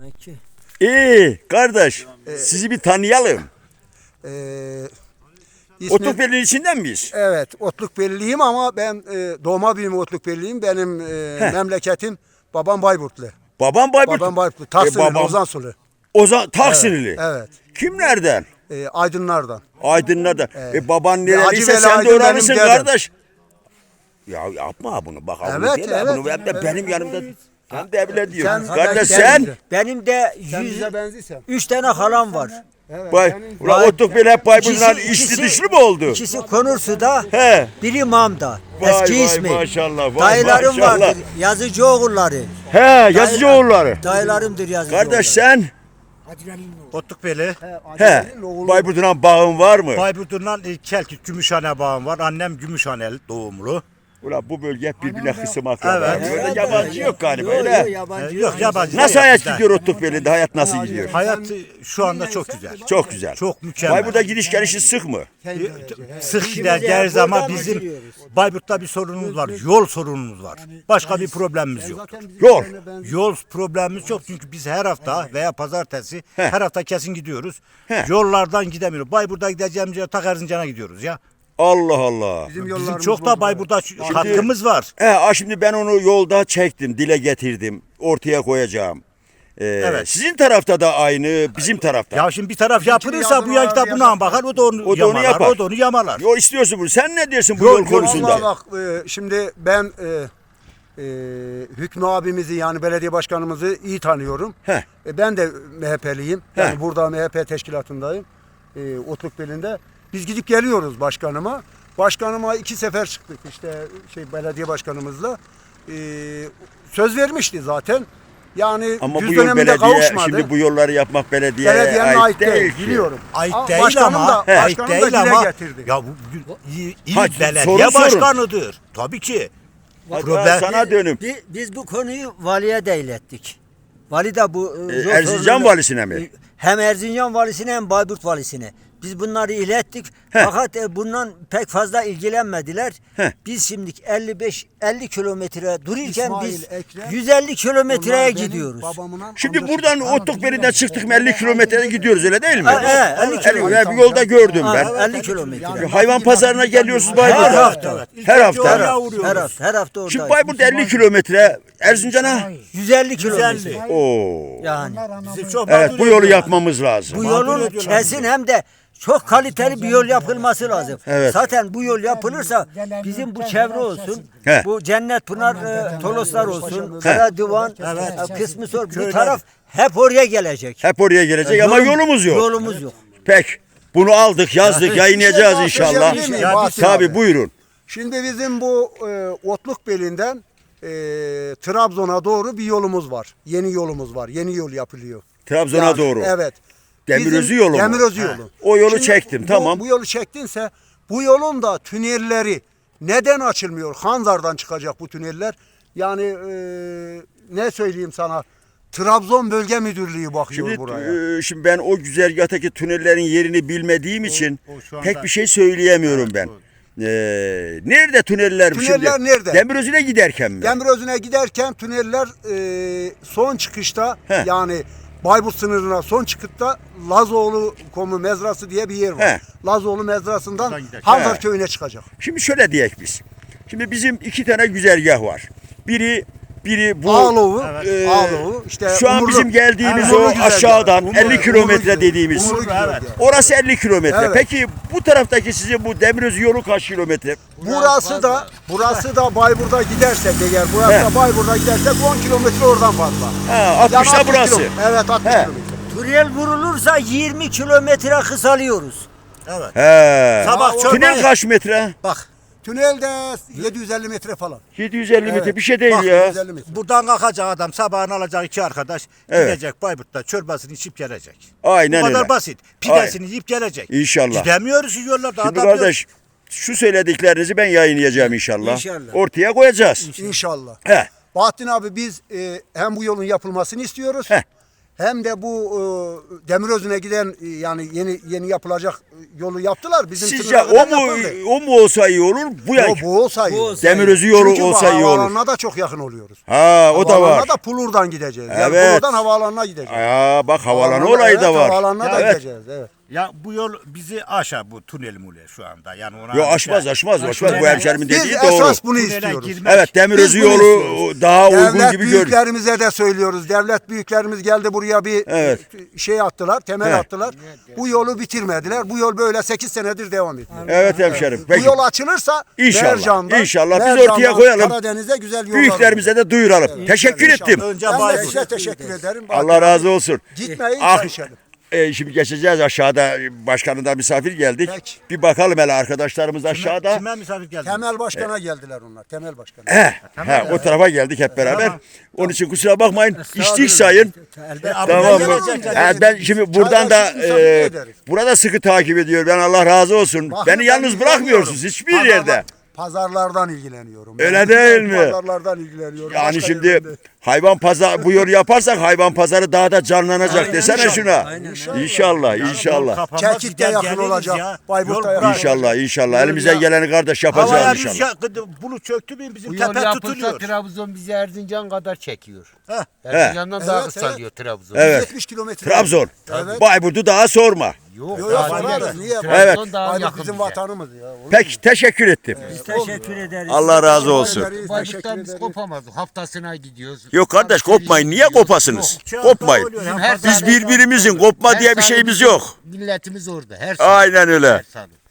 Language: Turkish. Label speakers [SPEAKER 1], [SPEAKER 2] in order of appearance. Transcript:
[SPEAKER 1] Peki.
[SPEAKER 2] İyi kardeş, sizi bir tanıyalım.
[SPEAKER 3] İsmim,
[SPEAKER 2] Otlukbeli'nin içinden miyiz?
[SPEAKER 3] evet, Otlukbelliyim ama ben doğma büyüme Otlukbelliyim. Benim memleketim babam Bayburtlu.
[SPEAKER 2] Babam Bayburt.
[SPEAKER 3] Babam Bayburtlu. Taksimli,
[SPEAKER 2] babam
[SPEAKER 3] Ozansulü.
[SPEAKER 2] Taksinili.
[SPEAKER 3] Evet.
[SPEAKER 2] Kimlerden?
[SPEAKER 3] Aydınlardan.
[SPEAKER 2] Aydınlardan. Baban
[SPEAKER 3] Hacı
[SPEAKER 2] nereliyse
[SPEAKER 3] Veli
[SPEAKER 2] sen de
[SPEAKER 3] Aydın
[SPEAKER 2] oralısın
[SPEAKER 3] benim dedem.
[SPEAKER 2] kardeş. Ya yapma bunu bak.
[SPEAKER 3] Evet,
[SPEAKER 2] bunu deme,
[SPEAKER 3] evet,
[SPEAKER 2] bunu hem de
[SPEAKER 3] evet.
[SPEAKER 2] benim yanımda. Sen de öyle
[SPEAKER 3] Sen-
[SPEAKER 2] diyorsun.
[SPEAKER 3] sen-
[SPEAKER 2] Kardeş
[SPEAKER 3] sen-
[SPEAKER 2] sen.
[SPEAKER 1] Benim de
[SPEAKER 3] Sen bize benziyorsun.
[SPEAKER 1] 3 tane halam var.
[SPEAKER 2] Ulan Otlukbeli hep Bayburt'dan
[SPEAKER 1] İkisi-
[SPEAKER 2] içli
[SPEAKER 1] ikisi-
[SPEAKER 2] dışlı mı oldu?
[SPEAKER 1] İkisi Konursu'da,
[SPEAKER 2] He.
[SPEAKER 1] biri Mam'da.
[SPEAKER 2] Vay
[SPEAKER 1] Eski
[SPEAKER 2] vay
[SPEAKER 1] ismi.
[SPEAKER 2] maşallah, vay
[SPEAKER 1] Dayılarım
[SPEAKER 2] maşallah.
[SPEAKER 1] vardır. Yazıcı oğulları.
[SPEAKER 2] He, yazıcı oğulları.
[SPEAKER 1] Dayılarımdır yazıcı
[SPEAKER 2] Kardeş
[SPEAKER 1] oğulları.
[SPEAKER 2] sen.
[SPEAKER 4] Otlukbeli.
[SPEAKER 2] He. Bayburt'un bağın var mı?
[SPEAKER 4] Bayburt'undan Kelkit Gümüşhane bağım var. Annem Gümüşhaneli doğumlu.
[SPEAKER 2] Ulan bu bölge hep birbirine kısım akraba.
[SPEAKER 4] Evet.
[SPEAKER 2] Böyle yabancı yok galiba
[SPEAKER 1] Yok,
[SPEAKER 2] öyle.
[SPEAKER 1] yok, yabancı
[SPEAKER 4] Yok yabancı.
[SPEAKER 2] Nasıl
[SPEAKER 4] yok
[SPEAKER 2] hayat
[SPEAKER 4] bizden.
[SPEAKER 2] gidiyor Otlukbeli'de? Hayat nasıl gidiyor?
[SPEAKER 4] Hayat şu anda çok güzel.
[SPEAKER 2] Çok güzel.
[SPEAKER 4] Çok mükemmel.
[SPEAKER 2] Bayburt'a gidiş gelişi sık mı?
[SPEAKER 4] Sık gider geliriz ama bizim Bayburt'ta bir sorunumuz var. Yol sorunumuz var. Başka bir problemimiz yok.
[SPEAKER 2] Yol.
[SPEAKER 4] Yol problemimiz yok çünkü biz her hafta veya pazartesi
[SPEAKER 2] He.
[SPEAKER 4] her hafta kesin gidiyoruz.
[SPEAKER 2] He.
[SPEAKER 4] Yollardan gidemiyoruz. Bayburt'a gideceğimiz yere tak Erzincan'a gidiyoruz ya.
[SPEAKER 2] Allah Allah.
[SPEAKER 4] Bizim çok da Bayburt'ta hakkımız var.
[SPEAKER 2] Şimdi ben onu yolda çektim, dile getirdim, ortaya koyacağım.
[SPEAKER 4] Evet.
[SPEAKER 2] Sizin tarafta da aynı, bizim tarafta.
[SPEAKER 4] Ya şimdi bir taraf yapılırsa bu yan da buna bakar, o da onu
[SPEAKER 2] O da onu
[SPEAKER 4] yamalar,
[SPEAKER 2] yapar.
[SPEAKER 4] o da onu yamalar.
[SPEAKER 2] Yol istiyorsun bunu. Sen ne diyorsun bu yol konusunda?
[SPEAKER 3] Vallahi bak şimdi ben Hükmü abimizi yani belediye başkanımızı iyi tanıyorum.
[SPEAKER 2] Heh.
[SPEAKER 3] Ben de MHP'liyim. Yani
[SPEAKER 2] Heh.
[SPEAKER 3] burada MHP teşkilatındayım. Otlukbeli'nde. Biz gidip geliyoruz başkanıma. Başkanıma 2 sefer çıktık işte belediye başkanımızla. Söz vermişti zaten. Yani
[SPEAKER 2] Ama
[SPEAKER 3] düz
[SPEAKER 2] bu yol
[SPEAKER 3] döneminde
[SPEAKER 2] belediye,
[SPEAKER 3] kavuşmadı.
[SPEAKER 2] şimdi bu yolları yapmak belediyeye
[SPEAKER 3] Belediyenin ait değil,
[SPEAKER 2] ki.
[SPEAKER 3] biliyorum.
[SPEAKER 4] Ait
[SPEAKER 3] Ama
[SPEAKER 4] değil
[SPEAKER 3] başkanım
[SPEAKER 4] ama,
[SPEAKER 3] da,
[SPEAKER 4] ait
[SPEAKER 3] başkanım da
[SPEAKER 4] değil
[SPEAKER 3] dile
[SPEAKER 4] ama,
[SPEAKER 3] getirdi.
[SPEAKER 4] ya bu il
[SPEAKER 2] Ha,
[SPEAKER 4] belediye
[SPEAKER 2] sorun.
[SPEAKER 4] başkanıdır. Tabii ki.
[SPEAKER 2] Hatta
[SPEAKER 4] Problem-
[SPEAKER 2] sana dönüm.
[SPEAKER 1] Biz bu konuyu valiye de ilettik. Vali de bu yol
[SPEAKER 2] Erzincan
[SPEAKER 1] sorununu-
[SPEAKER 2] valisine mi?
[SPEAKER 1] Hem Erzincan valisine hem Bayburt valisine. Biz bunları ilettik. Fakat bundan pek fazla ilgilenmediler. Biz şimdi 50 kilometre dururken
[SPEAKER 3] İsmail,
[SPEAKER 1] biz
[SPEAKER 3] Ekrem,
[SPEAKER 1] 150 kilometreye
[SPEAKER 3] Onlar benim
[SPEAKER 1] gidiyoruz.
[SPEAKER 3] babamın
[SPEAKER 2] Şimdi
[SPEAKER 3] amcası.
[SPEAKER 2] buradan Otlukbeli'den çıktık mı 50 kilometrede gidiyoruz öyle değil mi?
[SPEAKER 1] 50 kilometre.
[SPEAKER 2] Bir yolda gördüm ben.
[SPEAKER 1] 50 kilometre.
[SPEAKER 2] Hayvan pazarına geliyorsunuz
[SPEAKER 1] Her
[SPEAKER 2] Bayburt'a.
[SPEAKER 1] hafta.
[SPEAKER 2] Her hafta.
[SPEAKER 1] Her hafta oradayız.
[SPEAKER 2] Şimdi Bayburt 50 kilometre, Erzincan'a.
[SPEAKER 1] 150 kilometre.
[SPEAKER 2] Oo.
[SPEAKER 1] Yani
[SPEAKER 4] Bizim çok
[SPEAKER 2] Evet bu
[SPEAKER 4] mağdur
[SPEAKER 2] yolu
[SPEAKER 4] ediyorlar.
[SPEAKER 2] yapmamız lazım.
[SPEAKER 1] bu yolun kesin hem de çok kaliteli bir yol yapılması lazım.
[SPEAKER 2] Evet.
[SPEAKER 1] Zaten bu yol yapılırsa bizim bu çevre olsun,
[SPEAKER 2] He.
[SPEAKER 1] bu Cennet Pınar, Toloslar olsun, Karaduvan, kısmı sor, bu taraf hep oraya gelecek.
[SPEAKER 2] Hep oraya gelecek ama yolumuz yok.
[SPEAKER 1] Yolumuz yok.
[SPEAKER 2] Peki. Bunu aldık, yazdık, yayınlayacağız
[SPEAKER 3] şey
[SPEAKER 2] inşallah.
[SPEAKER 3] bahsedebilir miyim Bahattin
[SPEAKER 2] Tabii
[SPEAKER 3] abi?
[SPEAKER 2] buyurun.
[SPEAKER 3] Şimdi bizim bu Otlukbeli'nden Trabzon'a doğru bir yolumuz var. Yeni yolumuz var. Yeni yol yapılıyor.
[SPEAKER 2] Trabzon'a
[SPEAKER 3] Yani,
[SPEAKER 2] doğru.
[SPEAKER 3] Evet.
[SPEAKER 2] Demirözü
[SPEAKER 3] Bizim-
[SPEAKER 2] yolu mu?
[SPEAKER 3] Demirözü yolu.
[SPEAKER 2] O yolu çektim, tamam.
[SPEAKER 3] Bu yolu çektinse bu yolun da tünelleri neden açılmıyor? Hanzar'dan çıkacak bu tüneller. Yani ne söyleyeyim sana? Trabzon Bölge Müdürlüğü bakıyor
[SPEAKER 2] Şimdi,
[SPEAKER 3] buraya.
[SPEAKER 2] şimdi ben o güzergahtaki tünellerin yerini bilmediğim için
[SPEAKER 4] şu anda-
[SPEAKER 2] pek bir şey söyleyemiyorum ben. Nerede tüneller şimdi?
[SPEAKER 3] Tüneller nerede?
[SPEAKER 2] Demirözü'ne giderken mi?
[SPEAKER 3] Demirözü'ne giderken tüneller son çıkışta
[SPEAKER 2] He.
[SPEAKER 3] yani Bayburt sınırına son çıkışta Lazoğlu Komu Mezrası diye bir yer var.
[SPEAKER 2] He.
[SPEAKER 3] Lazoğlu Mezrası'ndan
[SPEAKER 4] Oradan gider.
[SPEAKER 3] Hanzar
[SPEAKER 2] He.
[SPEAKER 3] köyüne çıkacak.
[SPEAKER 2] Şimdi şöyle diyek biz. Şimdi bizim 2 tane güzergah var. Biri bu
[SPEAKER 3] Ağloğu,
[SPEAKER 2] e,
[SPEAKER 3] Ağloğu, işte
[SPEAKER 2] şu an
[SPEAKER 3] Umurlu-
[SPEAKER 2] bizim geldiğimiz
[SPEAKER 3] Umurlu
[SPEAKER 2] o
[SPEAKER 3] güzergah.
[SPEAKER 2] aşağıdan
[SPEAKER 3] Umurlu-
[SPEAKER 2] 50 kilometre
[SPEAKER 3] Umurlu
[SPEAKER 2] dediğimiz.
[SPEAKER 3] Umurlu güzergah.
[SPEAKER 2] Orası 50 kilometre.
[SPEAKER 3] Evet.
[SPEAKER 2] Peki bu taraftaki sizin bu Demirözü yolu kaç kilometre?
[SPEAKER 3] Burası da Bayburt'a gidersek eğer burası
[SPEAKER 2] He.
[SPEAKER 3] da Bayburt'a gidersek 10 kilometre oradan fazla.
[SPEAKER 2] Ha, 60'ta
[SPEAKER 3] Yani
[SPEAKER 2] burası.
[SPEAKER 3] Evet 60
[SPEAKER 2] He.
[SPEAKER 3] kilometre.
[SPEAKER 1] Tünel vurulursa 20 kilometre kısalıyoruz.
[SPEAKER 4] Evet.
[SPEAKER 2] He.
[SPEAKER 4] Sabah çorbayı-
[SPEAKER 2] Tünel kaç metre?
[SPEAKER 4] Bak,
[SPEAKER 3] Tünelde 750 metre falan.
[SPEAKER 2] 750 metre
[SPEAKER 3] Evet.
[SPEAKER 2] bir şey değil
[SPEAKER 4] Bak,
[SPEAKER 2] ya.
[SPEAKER 3] 750 metre.
[SPEAKER 4] buradan kalkacak adam, sabahını alacak 2 arkadaş,
[SPEAKER 2] Evet.
[SPEAKER 4] gidecek Bayburt'ta çorbasını içip gelecek.
[SPEAKER 2] Aynen
[SPEAKER 4] Bu kadar
[SPEAKER 2] öyle.
[SPEAKER 4] basit. Pidesini yiyip gelecek.
[SPEAKER 2] İnşallah.
[SPEAKER 4] Gidemiyoruz şu yollarda.
[SPEAKER 2] Şimdi
[SPEAKER 4] adam
[SPEAKER 2] kardeş şu söylediklerinizi ben yayınlayacağım inşallah.
[SPEAKER 1] İnşallah.
[SPEAKER 2] Ortaya koyacağız.
[SPEAKER 3] İnşallah.
[SPEAKER 2] He.
[SPEAKER 3] Bahattin abi biz hem bu yolun yapılmasını istiyoruz.
[SPEAKER 2] Heh.
[SPEAKER 3] hem de bu Demirözü'ne giden yani yeni yapılacak yolu yaptılar. Bizim
[SPEAKER 2] Sizce
[SPEAKER 3] sınıra
[SPEAKER 2] o
[SPEAKER 3] kadar
[SPEAKER 2] mu
[SPEAKER 3] yapıldı.
[SPEAKER 2] o mu olsa iyi olur? Bu ya.
[SPEAKER 3] Bu olsa iyi.
[SPEAKER 1] Bu olsa
[SPEAKER 2] Demirözü yolu
[SPEAKER 3] Çünkü
[SPEAKER 2] olsa iyi olur.
[SPEAKER 3] havaalanına da çok yakın oluyoruz.
[SPEAKER 2] Ha o da var.
[SPEAKER 3] Havaalanına da Pulur'dan gideceğiz. Yani
[SPEAKER 2] Evet.
[SPEAKER 3] Pulur'dan havaalanına gideceğiz.
[SPEAKER 2] Aa bak havalanı
[SPEAKER 3] Havaalanına-
[SPEAKER 2] olayı da
[SPEAKER 3] evet,
[SPEAKER 2] var.
[SPEAKER 3] Havaalanına da
[SPEAKER 2] Evet.
[SPEAKER 3] gideceğiz. Evet.
[SPEAKER 4] Ya bu yol bizi aşar bu tünel mule şu anda. Yani ona
[SPEAKER 2] Yo aşmaz bu hemşerimin
[SPEAKER 3] Biz
[SPEAKER 2] dediği doğru.
[SPEAKER 3] esas bunu
[SPEAKER 4] Tünele
[SPEAKER 3] istiyoruz.
[SPEAKER 4] girmek-
[SPEAKER 2] Evet Demirözü
[SPEAKER 3] Biz bunu
[SPEAKER 2] yolu
[SPEAKER 3] istiyoruz.
[SPEAKER 2] daha uygun
[SPEAKER 3] Devlet
[SPEAKER 2] gibi gör.
[SPEAKER 3] büyüklerimize de söylüyoruz. Devlet büyüklerimiz geldi buraya bir
[SPEAKER 2] Evet.
[SPEAKER 3] şey attılar, temel
[SPEAKER 2] He.
[SPEAKER 3] attılar. Bu yolu bitirmediler. Bu yol böyle 8 senedir devam ediyor.
[SPEAKER 2] Evet hemşerim. Peki.
[SPEAKER 3] Bu yol açılırsa
[SPEAKER 2] İnşallah,
[SPEAKER 3] Mercan'dan,
[SPEAKER 2] inşallah. Biz
[SPEAKER 3] Mercan'dan
[SPEAKER 2] ortaya koyalım.
[SPEAKER 3] Karadeniz'e güzel yollar
[SPEAKER 2] Büyüklerimize de duyuralım. Teşekkür
[SPEAKER 3] İnşallah.
[SPEAKER 2] ettim.
[SPEAKER 4] Önce
[SPEAKER 3] Ben de
[SPEAKER 4] Bayburt.
[SPEAKER 3] size teşekkür ederim.
[SPEAKER 2] Allah razı olsun.
[SPEAKER 3] Gitmeyin,
[SPEAKER 2] Ah,
[SPEAKER 3] görüşelim.
[SPEAKER 2] Şimdi geçeceğiz aşağıda. Başkanından misafir geldik.
[SPEAKER 3] Peki.
[SPEAKER 2] Bir bakalım hele arkadaşlarımız aşağıda.
[SPEAKER 4] Kime misafir geldi?
[SPEAKER 3] Temel Başkan'a geldiler onlar. Temel Başkan'a.
[SPEAKER 2] O tarafa geldik hep beraber. Onun için kusura bakmayın. İçtik sayın. Tamam mı?
[SPEAKER 3] gelecek.
[SPEAKER 2] Ben şimdi buradan da
[SPEAKER 3] Çaylar misafir ederiz.
[SPEAKER 2] burada sıkı takip ediyor. Ben Allah razı olsun.
[SPEAKER 3] Bakın,
[SPEAKER 2] Beni
[SPEAKER 3] ben
[SPEAKER 2] yalnız bırakmıyorsunuz
[SPEAKER 3] ilgileniyorum.
[SPEAKER 2] hiçbir yerde.
[SPEAKER 3] Pazarlardan ilgileniyorum.
[SPEAKER 2] Öyle
[SPEAKER 3] Ben
[SPEAKER 2] değil mi?
[SPEAKER 3] Pazarlardan ilgileniyorum.
[SPEAKER 2] Yani
[SPEAKER 3] Başka
[SPEAKER 2] şimdi
[SPEAKER 3] yerlerde.
[SPEAKER 2] hayvan pazarı bu yolu yaparsak hayvan pazarı daha da canlanacak
[SPEAKER 1] Aynen,
[SPEAKER 2] desene
[SPEAKER 1] inşallah,
[SPEAKER 2] şuna.
[SPEAKER 1] aynen.
[SPEAKER 2] İnşallah, inşallah.
[SPEAKER 3] Çelkik de yakın olacak, Bayburt'ta yakın olacak.
[SPEAKER 2] İnşallah, inşallah.
[SPEAKER 3] Yol
[SPEAKER 2] Elimizden
[SPEAKER 3] ya-
[SPEAKER 2] geleni kardeş
[SPEAKER 4] Havaya
[SPEAKER 2] yapacağız
[SPEAKER 4] biz
[SPEAKER 2] inşallah.
[SPEAKER 4] bulut çöktü mü bizim
[SPEAKER 5] Bu yol
[SPEAKER 4] tepe
[SPEAKER 5] yapılsa
[SPEAKER 4] tutuluyor.
[SPEAKER 5] Trabzon bizi Erzincan kadar çekiyor.
[SPEAKER 4] Heh.
[SPEAKER 5] Erzincan'dan daha
[SPEAKER 3] Evet,
[SPEAKER 5] kısalıyor Trabzon.
[SPEAKER 2] Evet.
[SPEAKER 3] 70 kilometre.
[SPEAKER 2] Trabzon.
[SPEAKER 3] Evet.
[SPEAKER 2] Bayburt'u daha sorma.
[SPEAKER 5] Yok,
[SPEAKER 3] Yok,
[SPEAKER 5] daha
[SPEAKER 3] sorarız.
[SPEAKER 5] değil.
[SPEAKER 3] Niye?
[SPEAKER 5] Trabzon
[SPEAKER 2] Evet.
[SPEAKER 5] daha
[SPEAKER 3] Bayburt
[SPEAKER 5] yakın
[SPEAKER 3] bizim
[SPEAKER 5] bize.
[SPEAKER 3] vatanımız ya. Olur mu?
[SPEAKER 2] Peki teşekkür ettim.
[SPEAKER 1] Biz teşekkür ederiz.
[SPEAKER 2] Allah razı olsun.
[SPEAKER 3] Teşekkür
[SPEAKER 5] Bayburt'tan biz
[SPEAKER 3] ederiz.
[SPEAKER 5] kopamazdık. Haftasına gidiyoruz.
[SPEAKER 2] Yok kardeş kopmayın. Niye kopasınız? Kopmayın.
[SPEAKER 5] Bizim her
[SPEAKER 2] Biz
[SPEAKER 5] salı-
[SPEAKER 2] birbirimizin kopma
[SPEAKER 5] her
[SPEAKER 2] diye bir
[SPEAKER 5] salı
[SPEAKER 2] şeyimiz
[SPEAKER 5] bizim
[SPEAKER 2] yok.
[SPEAKER 5] Milletimiz orada. Her salı.
[SPEAKER 2] Aynen öyle.
[SPEAKER 5] Her salı.